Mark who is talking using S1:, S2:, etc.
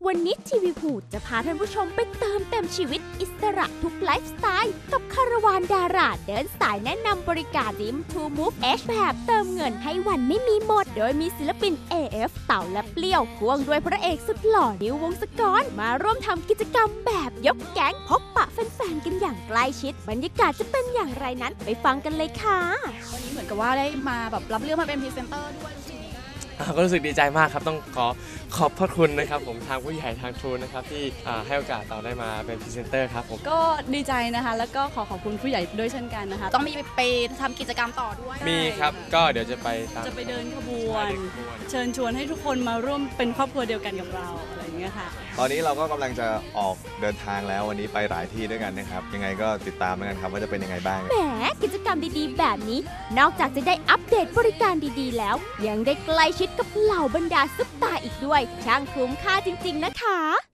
S1: วันนี้ทีวีพูจะพาท่านผู้ชมไปเติมเต็มชีวิตอิสระทุกไลฟ์สไตล์กับคาราวานดาราเดินสายแนะนำบริการดิมทูมูฟHแบบเติมเงินให้วันไม่มีหมดโดยมีศิลปิน AF เต่าและเปรี้ยวพ่วงด้วยพระเอกสุดหล่อนิววงศกรมาร่วมทำกิจกรรมแบบยกแก๊งพบปะแฟนๆกันอย่างใกล้ชิดบรรยากาศจะเป็นอย่างไรนั้นไปฟังกันเลยค่ะ
S2: วันนี้เหมือนกับว่าได้มาแบบรับเรื่องมาเป็นพรีเซนเตอร์ด้วย
S3: ก็รู้สึกดีใจมากครับต้องขอบพระคุณนะครับผมทางผู้ใหญ่ทางทรูนะครับที่ให้โอกาสเราได้มาเป็นพรีเซนเตอร์ครับผม
S2: ก็ดีใจนะคะแล้วก็ขอบคุณผู้ใหญ่ด้วยเช่นกันนะคะต้องมีไปทำกิจกรรมต่อด้วย
S3: มีครับก็เดี๋ยวจะไป
S2: เดินขบวนเชิญชวนให้ทุกคนมาร่วมเป็นครอบครัวเดียวกันกับเราอะไรอย่างเงี้ยค่ะ
S4: ตอนนี้เราก็กำลังจะออกเดินทางแล้ววันนี้ไปหลายที่ด้วยกันนะครับยังไงก็ติดตามกันครับว่าจะเป็นยังไงบ้าง
S1: แหมกิจกรรมดีๆแบบนี้นอกจากจะได้อัปเดตบริการดีๆแล้วยังได้ใกล้ชิดกับเหล่าบรรดาซุปตาอีกด้วยช่างคุ้มค่าจริงๆนะคะ